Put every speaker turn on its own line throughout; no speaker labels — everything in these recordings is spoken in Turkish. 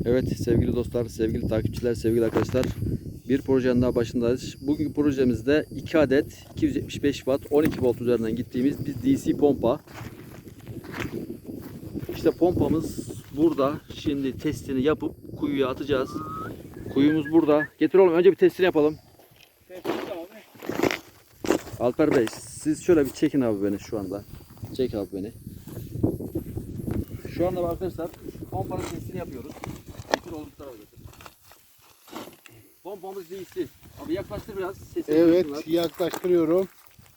Evet sevgili dostlar, sevgili takipçiler, sevgili arkadaşlar. Bir projenin daha başındayız. Bugünkü projemizde 2 adet 275 watt 12 volt üzerinden gittiğimiz bir DC pompa. İşte pompamız burada. Şimdi testini yapıp kuyuya atacağız. Kuyumuz burada. Getir oğlum, önce bir testini yapalım. Alper Bey, siz şöyle bir çekin abi beni şu anda. Çek abi beni. Şu anda arkadaşlar pompanın testini yapıyoruz. Getir oğlum, bu tarafa getir. Pompamız DC. Abi yaklaştır biraz. Sesini
Evet,
duysunlar.
yaklaştırıyorum.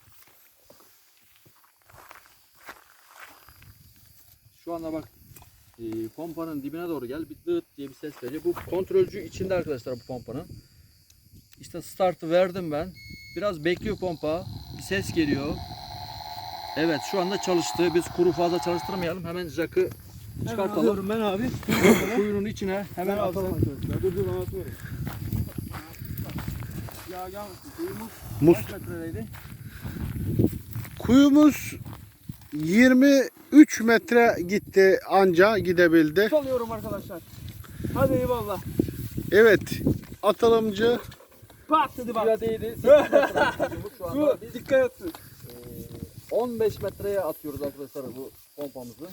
Şu anda bak, pompanın dibine doğru gel. Bir dıt diye bir ses veriyor. Bu kontrolcü içinde arkadaşlar bu pompanın. İşte startı verdim ben. Biraz bekliyor pompa. Bir ses geliyor. Evet, şu anda çalıştı. Biz kuru fazla çalıştırmayalım. Hemen jakı çıkartalım.
Ben abi.
Kuyunun içine hemen atalım arkadaşlar.
Dur ben atıyorum. Ya gelmesin. Kuyumuz
Mus
kaç metredeydi?
Kuyumuz 23 metre gitti, anca gidebildi.
Salıyorum arkadaşlar. Hadi eyvallah.
Evet, atılımcı
Pat dedi bak.
Suya değdi. Şu anda biz
Dikkat etsin.
15 metreye atıyoruz arkadaşlar bu pompamızı.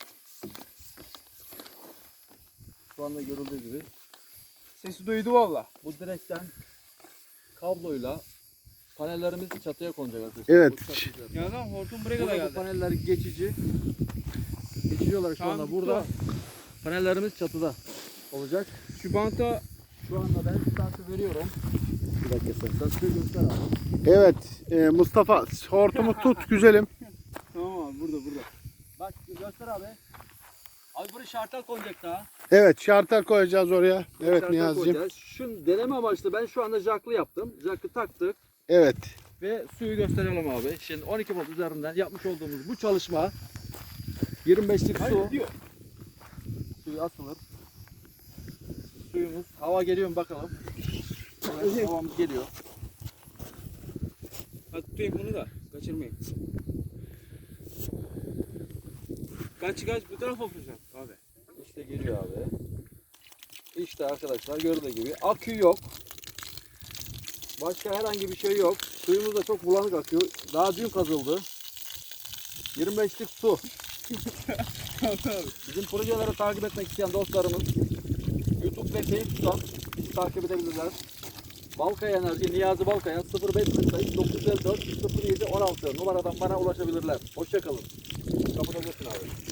Şu anda görüldüğü gibi.
Sesi duydu valla.
Bu direkten kabloyla panellerimiz çatıya konacak arkadaşlar.
Evet.
Bu çatı üzerinde.
Ya lan hortum buraya kadar
Burada bu
geldi.
paneller geçici. Geçici olarak şu
Tamam,
anda
bitti
burada.
o.
Panellerimiz çatıda olacak.
Şu banta
Şu anda ben startı veriyorum. Bir dakika sen. Startı göster abi.
Evet, Mustafa hortumu tut güzelim.
tamam abi burada.
Bak göster abi. Abi buraya şartel konacak daha.
Evet, şartel koyacağız oraya. Evet
Şartel
Niyazi'cim.
koyacağız. Şu deneme amaçlı ben şu anda jaklı yaptım. Jakı taktık.
Evet,
Ve suyu gösterelim abi. Şimdi 12 volt üzerinden yapmış olduğumuz bu çalışma 25'lik su.
diyor.
Suyu asılır. Suyumuz, hava geliyor mu bakalım. Evet, havamız geliyor.
Hadi tutayım bunu da. Kaçırmayayım. Kaç bu tarafa yapacağım abi.
İşte geliyor abi. İşte arkadaşlar gördüğü gibi akü yok. Başka herhangi bir şey yok. Suyumuz da çok bulanık akıyor. Daha dün kazıldı. 25'lik su. Bizim projeleri takip etmek isteyen dostlarımız YouTube ve Facebook'tan bizi takip edebilirler. Balkaya Enerji, Niyazi Balkaya 0548 954 07 16 numaradan bana ulaşabilirler. Hoşça kalın. Kapatabilirsin abi.